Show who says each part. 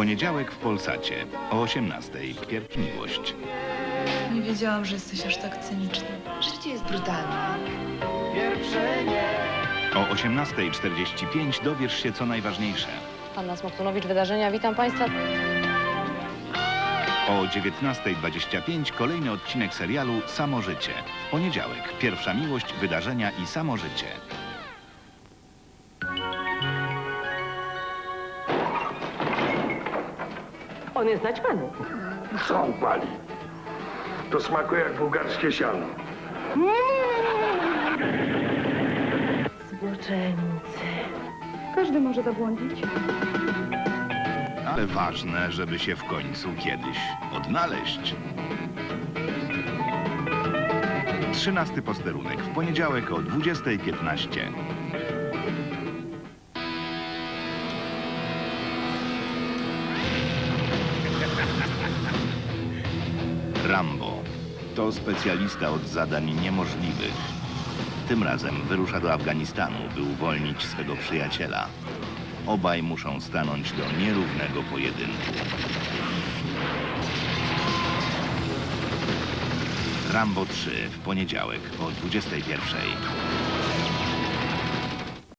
Speaker 1: Poniedziałek w Polsacie o 18:00. Pierwsza miłość.
Speaker 2: Nie wiedziałam, że jesteś aż tak cyniczny.
Speaker 3: Życie jest brutalne.
Speaker 1: O 18:45 dowiesz się, co najważniejsze.
Speaker 4: Anna Smoktunowicz, Wydarzenia. Witam Państwa.
Speaker 1: O 19:25 kolejny odcinek serialu Samo życie. W poniedziałek pierwsza miłość, wydarzenia i samo życie.
Speaker 5: On jest naćpany.
Speaker 6: Co on pali? To smakuje jak bułgarskie siano.
Speaker 5: Zboczeńcy.
Speaker 7: Każdy może zabłądzić.
Speaker 1: Ale ważne, żeby się w końcu kiedyś odnaleźć. 13. posterunek w poniedziałek o 20:15. Rambo to specjalista od zadań niemożliwych. Tym razem wyrusza do Afganistanu, by uwolnić swego przyjaciela. Obaj muszą stanąć do nierównego pojedynku. Rambo 3 w poniedziałek o 21:00.